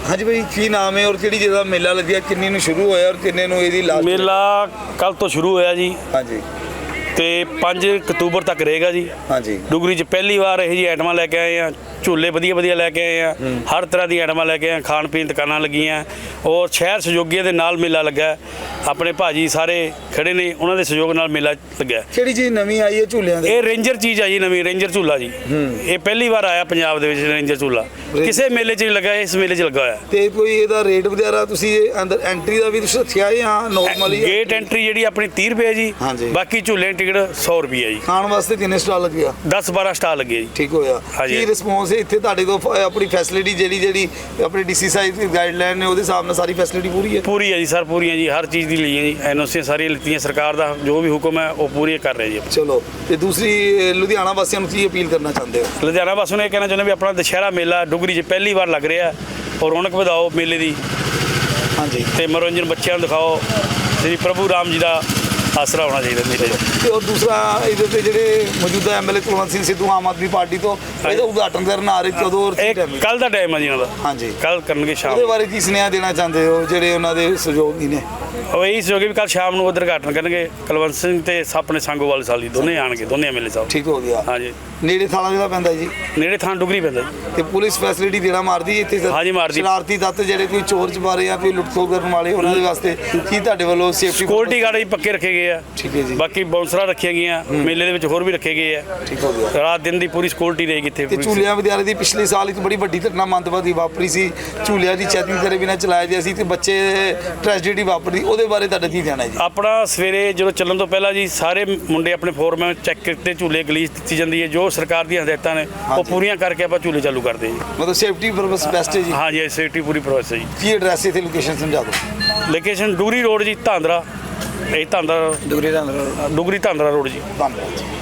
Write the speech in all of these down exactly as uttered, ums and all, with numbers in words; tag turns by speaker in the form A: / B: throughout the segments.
A: हाँ जी भाई, की नाम है और किहड़ी जगह मेला लग्या, किन्नी नूं शुरू होया और किन्ने नूं इहदी लास्ट?
B: मेला कल तो शुरू होया जी
A: हाँ जी
B: ਤੇ ਪੰਜ ਅਕਤੂਬਰ ਤੱਕ ਰਹੇਗਾ ਜੀ।
A: हाँ जी
B: ਡੁਗਰੀ 'ਚ ਪਹਿਲੀ ਵਾਰ ਇਹ ਜੀ ਆਈਟਮਾਂ ਲੈ ਕੇ ਆਏ ਆ, ਝੂਲੇ ਵਧੀਆ ਵਧੀਆ ਲੈ ਕੇ ਆਏ ਆ, ਹਰ ਤਰ੍ਹਾਂ ਦੀ ਆਈਟਮਾਂ ਲੈ ਕੇ ਆਏ, ਖਾਣ ਪੀਣ ਦੁਕਾਨਾਂ ਲੱਗੀਆਂ ਔਰ ਸ਼ਹਿਰ ਸਹਿਯੋਗੀਆਂ ਦੇ ਨਾਲ ਮੇਲਾ ਲੱਗਾ। ਆਪਣੇ ਭਾਜੀ ਸਾਰੇ ਖੜੇ ਨੇ, ਉਹਨਾਂ ਦੇ ਸਹਿਯੋਗ ਨਾਲ ਮੇਲਾ ਲੱਗਾ।
A: ਕਿਹੜੀ ਚੀਜ਼ ਨਵੀਂ ਆਈ ਹੈ ਝੂਲਿਆਂ ਦੇ?
B: ਇਹ ਰੇਂਜਰ ਚੀਜ਼ ਆ ਜੀ, ਨਵੀਂ ਰੇਂਜਰ ਝੂਲਾ ਜੀ। ਇਹ ਪਹਿਲੀ ਵਾਰ ਆਇਆ ਪੰਜਾਬ ਦੇ ਵਿੱਚ ਰੇਂਜਰ ਝੂਲਾ, ਕਿਸੇ ਮੇਲੇ 'ਚ ਨਹੀਂ ਲੱਗਾ, ਇਸ ਮੇਲੇ 'ਚ ਲੱਗਾ ਹੋਇਆ।
A: ਤੇ ਕੋਈ ਇਹਦਾ ਰੇਟ ਵਗੈਰਾ ਤੁਸੀਂ ਇਹ ਅੰਦਰ ਐਂਟਰੀ ਦਾ ਵੀ ਤੁਸੀਂ ਰੱਖਿਆ ਹੈ ਜਾਂ ਨਾਰਮਲ ਹੀ?
B: ਗੇਟ ਐਂਟਰੀ ਜਿਹੜੀ ਆਪਣੀ ਤੀਹ ਰੁਪਏ ਜੀ,
A: ਹਾਂਜੀ।
B: ਬਾਕੀ ਝੂਲੇ ਦੀ ਟਿਕਟ ਸੌ ਰੁਪਏ ਜੀ।
A: ਖਾਣ ਵਾਸਤੇ ਕਿੰਨੇ ਸਟਾਲ ਲੱਗਿਆ?
B: ਦਸ ਬਾਰਾਂ ਸਟਾਲ ਲੱਗੇ ਜੀ।
A: ਠੀਕ ਹੋਇਆ।
B: ਹਾਂਜੀ।
A: ਕੀ ਰਿਸਪੌਂਸ ਹੈ ਇੱਥੇ ਤੁਹਾਡੇ ਕੋਲ? ਫ- ਆਪਣੀ ਫੈਸਿਲਿਟੀ ਜਿਹੜੀ ਜਿਹੜੀ ਆਪਣੀ ਡੀਸੀ ਸਾਹਿਬ ਦੀ ਗਾਈਡਲਾਈਨ ਨੇ ਉਹਦੇ ਹਿਸਾਬ ਨਾਲ ਸਾਰੀ ਫੈਸਿਲਿਟੀ ਪੂਰੀ ਹੈ?
B: ਪੂਰੀ ਹੈ ਜੀ ਸਰ, ਪੂਰੀ ਹੈ ਜੀ, ਹਰ ਚੀਜ਼ ਦੀ ਲਈ ਹੈ ਜੀ, ਐਨ ਓ ਸੀ ਸਾਰੀਆਂ ਲਿੱਤੀਆਂ, ਸਰਕਾਰ ਦਾ ਜੋ ਵੀ ਹੁਕਮ ਹੈ ਉਹ ਪੂਰੀ ਕਰ ਰਹੇ ਜੀ।
A: ਚਲੋ, ਤੇ ਦੂਸਰੀ ਅ, ਲੁਧਿਆਣਾ ਵਾਸੀਆਂ ਨੂੰ ਕੀ ਅਪੀਲ ਕਰਨਾ ਚਾਹੁੰਦੇ ਹੋ?
B: ਲੁਧਿਆਣਾ ਵਾਸੀਆਂ ਨੂੰ ਇਹ ਕਹਿਣਾ ਚਾਹੁੰਦੇ ਵੀ ਆਪਣਾ ਦੁਸ਼ਹਿਰਾ ਮੇਲਾ ਡੁਗਰੀ 'ਚ ਪਹਿਲੀ ਵਾਰ ਲੱਗ ਰਿਹਾ ਔਰ ਰੌਣਕ ਵਧਾਓ ਮੇਲੇ ਦੀ
A: ਹਾਂਜੀ।
B: ਤੇ ਮਨੋਰੰਜਨ ਬੱਚਿਆਂ ਨੂੰ ਦਿਖਾਓ। ਸ੍ਰੀ ਪ੍ਰਭੂ ਰਾਮ ਜੀ ਦਾ ਆਸਰਾ ਹੋਣਾ ਚਾਹੀਦਾ ਮੇਲੇ 'ਚ।
A: ਤੇ ਔਰ ਦੂਸਰਾ ਇਹਦੇ ਉੱਤੇ ਜਿਹੜੇ ਮੌਜੂਦਾ ਐਮਐਲਏ ਕੁਲਵੰਤ ਸਿੰਘ ਸਿੱਧੂ ਆਮ ਆਦਮੀ ਪਾਰਟੀ ਤੋਂ ਇਹਦਾ ਉਦਘਾਟਨ ਕਰਨ ਆ ਰਹੇ, ਕਦੋਂ ਔਰ ਕੀ
B: ਇਹ
A: time ਹੈ?
B: ਕੱਲ ਦਾ ਟਾਈਮ ਹੈ ਜੀ ਉਹਨਾਂ ਦਾ।
A: ਹਾਂਜੀ।
B: ਕੱਲ ਕਰਨਗੇ ਸ਼ਾਮ
A: ਉਹਦੇ ਬਾਰੇ ਕੀ ਸੁਨੇਹਾ ਦੇਣਾ ਚਾਹੁੰਦੇ ਹੋ ਜਿਹੜੇ ਉਹਨਾਂ ਦੇ ਸਹਿਯੋਗੀ ਨੇ?
B: ਉਹ ਇਹੀ ਸਹਿਯੋਗੀ ਵੀ ਕੱਲ ਸ਼ਾਮ ਨੂੰ ਉਦਘਾਟਨ ਕਰਨਗੇ ਕੁਲਵੰਤ ਸਿੰਘ ਤੇ ਆਪਣੇ ਸੰਗੋਵਾਲ ਸਾਲੀ ਦੋਨੇ ਆਣਗੇ, ਦੋਨੇ ਐਮਐਲਏ ਸਾਹਿਬ।
A: ਠੀਕ ਹੋ ਗਿਆ।
B: ਹਾਂਜੀ।
A: ਨੇੜੇ ਥਾਣਾ ਜਿਹੜਾ ਪੈਂਦਾ ਜੀ,
B: ਨੇੜੇ ਥਾਂ ਡੁਗਰੀ ਪੈਂਦਾ ਜੀ।
A: ਤੇ ਪੁਲਿਸ ਫੈਸਿਲਿਟੀ ਦੇਣਾ ਮਾਰਦੀ ਹੈ ਇੱਥੇ ਸਰ?
B: ਹਾਂਜੀ, ਮਾਰਦੀ।
A: ਸ਼ਰਾਰਤੀ ਤੱਤ ਜਿਹੜੇ ਕੋਈ ਚੋਰ ਚਬਾਰੇ ਜਾਂ ਕੋਈ ਲੁੱਟਖੋ ਕਰਨ ਵਾਲੇ, ਉਹਨਾਂ ਦੇ ਵਾਸਤੇ ਕੀ ਤੁਹਾਡੇ ਵੱਲੋਂ ਸੇਫਟੀ?
B: ਸਿਕਿਉਰਿਟੀ ਗਾਰਡ ਜੀ ਪੱਕੇ ਰੱਖੇ ਗਏ ਆ।
A: ਠੀਕ ਹੈ ਜੀ।
B: ਬਾਕੀ ਬਾਉਂਸਰਾਂ ਰੱਖੀਆਂ ਗਈਆਂ, ਮੇਲੇ ਦੇ ਵਿੱਚ ਹੋਰ ਵੀ ਰੱਖੇ ਗਏ ਆ।
A: ਠੀਕ ਹੋ ਗਿਆ।
B: ਰਾਤ ਦਿਨ ਦੀ ਪੂਰੀ ਸਿਕਿਉਰਿਟੀ ਰਹੇਗੀ ਇੱਥੇ।
A: ਤੇ ਝੂਲਿਆਂ ਵਿਦਿਆਲੇ ਦੀ ਪਿਛਲੇ ਸਾਲ ਇੱਕ ਬੜੀ ਵੱਡੀ ਘਟਨਾ ਮੰਦਵਾਦੀ ਵਾਪਰੀ ਸੀ, ਝੂਲਿਆਂ ਦੀ ਚੈਕਿੰਗ ਕਰੇ ਬਿਨਾਂ ਚਲਾਇਆ ਗਿਆ ਸੀ ਤੇ ਬੱਚੇ ਟ੍ਰੈਜਡੀ ਵਾਪਰੀ, ਉਹਦੇ ਬਾਰੇ ਤੁਹਾਡਾ ਕੀ ਕਹਿਣਾ ਹੈ ਜੀ?
B: ਆਪਣਾ ਸਵੇਰੇ ਜਦੋਂ ਚੱਲਣ ਤੋਂ ਪਹਿਲਾਂ ਜੀ ਸਾਰੇ ਮੁੰਡੇ ਆਪਣੇ ਫੋਰਮੈਨ ਚੈੱਕ ਕੀਤੇ, ਝੂਲੇ ਗਲੀਸ ਦਿੱਤੀ ਜਾਂਦੀ ਹੈ, ਜੋ ਸਰਕਾਰ ਦੀਆਂ ਹਦਾਇਤਾਂ ਨੇ ਉਹ ਪੂਰੀਆਂ ਕਰਕੇ ਆਪਾਂ ਝੂਲੇ ਚਾਲੂ ਕਰਦੇ ਜੀ।
A: ਮਤਲਬ ਸੇਫਟੀ ਪਰਪਸ ਬੈਸਟ ਹੈ ਜੀ?
B: ਹਾਂਜੀ, ਇਹ ਸੇਫਟੀ ਪੂਰੀ ਪ੍ਰੋਸੈਸ ਹੈ ਜੀ।
A: ਕੀ ਐਡਰੈਸ ਇੱਥੇ ਲੋਕੇਸ਼ਨ ਸਮਝਾ ਦਿਓ।
B: ਲੋਕੇਸ਼ਨ ਡੁਗਰੀ ਰੋਡ ਜੀ, ਧਾਂਦਰਾ। ਇਹ ਧਾਂਦਰਾ
A: ਡੁਗਰੀ ਦਾ
B: ਡੁਗਰੀ ਧਾਂਦਰਾ ਰੋਡ ਜੀ।
A: ਧੰਨਵਾਦ ਜੀ।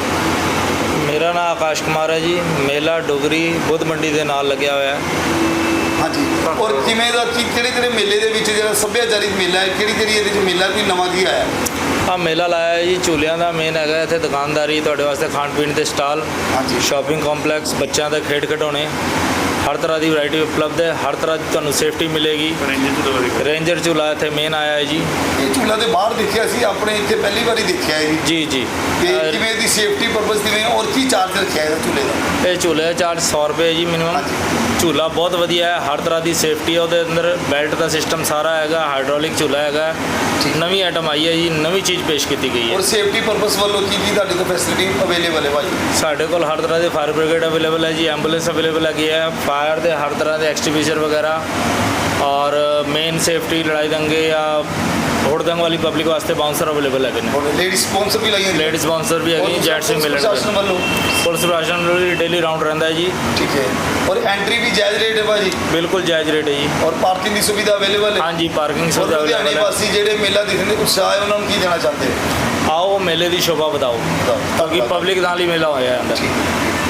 C: ਮੇਰਾ ਨਾਮ ਆਕਾਸ਼ ਕੁਮਾਰ ਹੈ ਜੀ। ਮੇਲਾ ਡੁਗਰੀ ਬੁੱਧ ਮੰਡੀ ਦੇ ਨਾਲ ਲੱਗਿਆ ਹੋਇਆ ਹੈ।
A: ਹਾਂਜੀ। ਔਰ ਕਿਵੇਂ ਦਾ ਕੀ ਕਿਹੜੇ ਕਿਹੜੇ ਮੇਲੇ ਦੇ ਵਿੱਚ ਜਿਹੜਾ ਸੱਭਿਆਚਾਰਿਕ ਮੇਲਾ ਹੈ, ਕਿਹੜੀ ਕਿਹੜੀ ਇਹਦੇ ਵਿੱਚ ਮੇਲਾ ਕੋਈ ਨਵਾਂ ਕੀ ਆਇਆ?
C: ਆ ਮੇਲਾ ਲਾਇਆ ਹੈ ਜੀ, ਝੂਲਿਆਂ ਦਾ ਮੇਨ ਹੈਗਾ ਇੱਥੇ, ਦੁਕਾਨਦਾਰੀ ਤੁਹਾਡੇ ਵਾਸਤੇ, ਖਾਣ ਪੀਣ ਦੇ ਸਟਾਲ,
A: ਹਾਂਜੀ।
C: ਸ਼ਾਪਿੰਗ ਕੰਪਲੈਕਸ, ਬੱਚਿਆਂ ਦੇ ਖੇਡ ਖਿਡੌਣੇ, ਹਰ ਤਰ੍ਹਾਂ ਦੀ ਵੈਰਾਈਟੀ ਉਪਲਬਧ ਹੈ। ਹਰ ਤਰ੍ਹਾਂ ਦੀ ਤੁਹਾਨੂੰ ਸੇਫਟੀ ਮਿਲੇਗੀ। ਰੇਂਜਰ ਝੂਲਾ ਇੱਥੇ ਮੇਨ ਆਇਆ ਹੈ ਜੀ।
A: ਇਹ ਝੂਲਾ ਤੇ ਬਾਹਰ ਦੇਖਿਆ ਸੀ, ਆਪਣੇ ਇੱਥੇ ਪਹਿਲੀ ਵਾਰੀ ਦੇਖਿਆ ਹੈ ਜੀ।
C: ਜੀ ਜੀ।
A: ਤੇ
C: ਅਹ
A: ਕਿਵੇਂ ਦੀ ਸੇਫਟੀ ਪਰਪਸ ਕਿਵੇਂ ਔਰ ਕੀ ਚਾਰਜ ਰੱਖਿਆ ਇਹਦਾ ਝੂਲੇ ਦਾ?
C: ਇਹ ਝੂਲੇ ਦਾ ਚਾਰਜ ਸੌ ਰੁਪਏ ਜੀ ਮਿਨੀਮਮ। ਝੂਲਾ ਬਹੁਤ ਵਧੀਆ ਹੈ, ਹਰ ਤਰ੍ਹਾਂ ਦੀ ਸੇਫਟੀ ਹੈ ਉਹਦੇ ਅੰਦਰ, ਬੈਲਟ ਦਾ ਸਿਸਟਮ ਸਾਰਾ ਹੈਗਾ, ਹਾਈਡ੍ਰੋਲਿਕ ਝੂਲਾ ਹੈਗਾ। ਨਵੀਂ ਆਈਟਮ ਆਈ ਹੈ ਜੀ, ਨਵੀਂ ਚੀਜ਼ ਪੇਸ਼ ਕੀਤੀ ਗਈ ਹੈ।
A: ਔਰ ਸੇਫਟੀ ਪਰਪਸ ਵੱਲੋਂ ਕੀ ਕੀ ਤੁਹਾਡੇ ਕੋਲ ਫੈਸਿਲਿਟੀ ਅਵੇਲੇਬਲ ਹੈ ਭਾਈ?
C: ਸਾਡੇ ਕੋਲ ਹਰ ਤਰ੍ਹਾਂ ਦੇ ਫਾਇਰ ਬ੍ਰਿਗੇਡ ਅਵੇਲੇਬਲ ਹੈ ਜੀ, ਐਂਬੂਲੈਂਸ ਅਵੇਲੇਬਲ ਹੈਗੀ ਹੈ, ਫਾਇਰ ਦੇ ਹਰ ਤਰ੍ਹਾਂ ਦੇ ਐਕਸਟੀਵਿਜ਼ਰ ਵਗੈਰਾ, ਔਰ ਮੇਨ ਸੇਫਟੀ ਲੜਾਈ ਦੰਗੇ ਜਾਂ ਹੋੜ ਦੰਗ ਵਾਲੀ ਪਬਲਿਕ ਵਾਸਤੇ ਬਾਉਂਸਰ ਅਵੇਲੇਬਲ ਹੈਗੇ ਨੇ।
A: ਲੇਡੀ ਸਪਾਂਸਰ ਵੀ ਲਾਈਆਂ?
C: ਲੇਡੀ ਸਪਾਂਸਰ ਵੀ ਹੈਗੀ, ਜੈਂਟਸ ਵੀ ਮਿਲਣਗੇ।
A: ਪ੍ਰਸ਼ਾਸਨ ਵੱਲੋਂ?
C: ਪੁਲਿਸ ਪ੍ਰਸ਼ਾਸਨ ਵੱਲੋਂ ਵੀ ਡੇਲੀ ਰਾਉਂਡ ਰਹਿੰਦਾ ਹੈ ਜੀ।
A: ਠੀਕ ਹੈ। ਔਰ ਐਂਟਰੀ ਵੀ ਜਾਇਜ਼ ਰੇਟ ਹੈ ਭਾਜੀ?
C: ਬਿਲਕੁਲ ਜਾਇਜ਼ ਰੇਟ ਹੈ ਜੀ।
A: ਔਰ ਪਾਰਕਿੰਗ ਦੀ ਸੁਵਿਧਾ ਅਵੇਲੇਬਲ ਹੈ?
C: ਹਾਂਜੀ, ਪਾਰਕਿੰਗ
A: ਔਰ
C: ਸੁਵਿਧਾ
A: ਲੁਧਿਆਣੇ
C: ਅਵੇਲੇਬਲ ਹੈ।
A: ਵਾਸੀ ਜਿਹੜੇ ਮੇਲਾ ਦੇਖਣ ਦੇ ਉਤਸ਼ਾਹ ਹੈ, ਉਹਨਾਂ ਨੂੰ ਕੀ ਦੇਣਾ ਚਾਹੁੰਦੇ ਹੋ?
C: ਆਓ ਮੇਲੇ ਦੀ ਸ਼ੋਭਾ ਵਧਾਓ, ਕਿਉਂਕਿ ਪਬਲਿਕ ਨਾਲ ਹੀ ਮੇਲਾ ਹੋਇਆ ਹੈ ਅੰਦਰ।